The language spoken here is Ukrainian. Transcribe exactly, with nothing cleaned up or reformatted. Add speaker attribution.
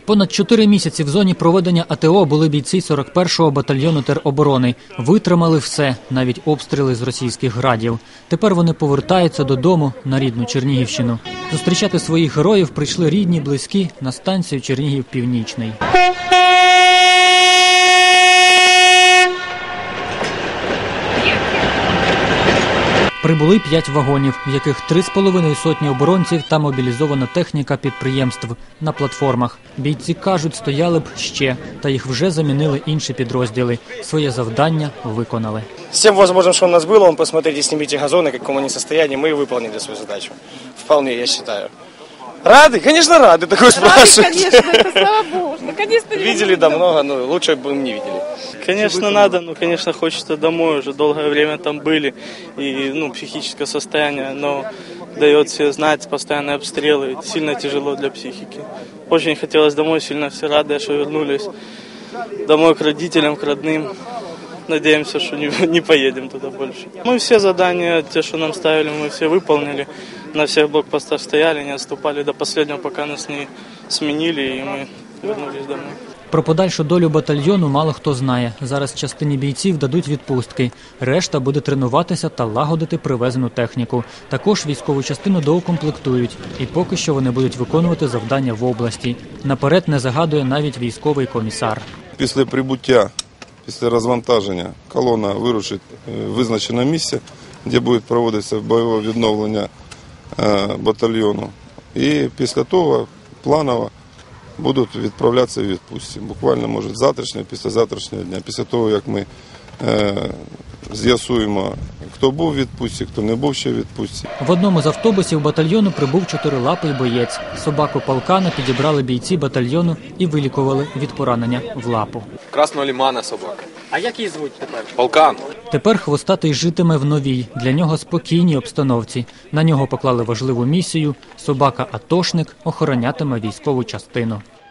Speaker 1: Понад чотири місяці в зоні проведення АТО були бійці сорок першого батальйону тероборони. Витримали все, навіть обстріли з російських градів. Тепер вони повертаються додому на рідну Чернігівщину. Зустрічати своїх героїв прийшли рідні, близькі на станцію Чернігів-Північний. Прибули п'ять вагонів, в яких три з половиною сотні оборонців та мобілізована техніка підприємств на платформах. Бійці кажуть, стояли б ще, та їх вже замінили інші підрозділи. Своє завдання виконали.
Speaker 2: Всем возможным, что у нас было, он посмотрите, снимите газоны, в каком они состоянии, мы выполнили свою задачу. Вполне, я считаю. Рады? Конечно, рады, такое спрашивают.
Speaker 3: Рады, конечно, это слава Богу. Наконец-то
Speaker 2: видели, да, много, но лучше бы не видели.
Speaker 4: Конечно, надо, но, конечно, хочется домой, уже долгое время там были, и, ну, психическое состояние, но дает все знать, постоянные обстрелы, сильно тяжело для психики. Очень хотелось домой, сильно все рады, что вернулись домой к родителям, к родным. Надеемся, что не, не поедем туда больше. Мы все задания, те, что нам ставили, мы все выполнили. На всех блокпостах стояли, не отступали до последнего, пока нас не сменили, и мы вернулись домой.
Speaker 1: Про подальшу долю батальйону мало хто знає. Зараз частині бійців дадуть відпустки. Решта буде тренуватися та лагодити привезену техніку. Також військову частину доукомплектують. І поки що вони будуть виконувати завдання в області. Наперед не загадує навіть військовий комісар.
Speaker 5: Після прибуття, після розвантаження колона вирушить в визначене місце, де буде проводитися бойове відновлення батальйону. І після того планово будуть відправлятися в відпустці. Буквально, може, завтрашнього, післязавтрашнього дня. Після того, як ми е, з'ясуємо, хто був у відпустці, хто не був ще в відпустці.
Speaker 1: В одному з автобусів батальйону прибув чотирилапий боєць. Собаку полкана підібрали бійці батальйону і вилікували від поранення в лапу.
Speaker 6: Красного лимана собака.
Speaker 1: А як її звуть тепер?
Speaker 6: Полкан.
Speaker 1: Тепер хвостатий житиме в новій, для нього спокійній обстановці. На нього поклали важливу місію – собака-атошник охоронятиме військову частину.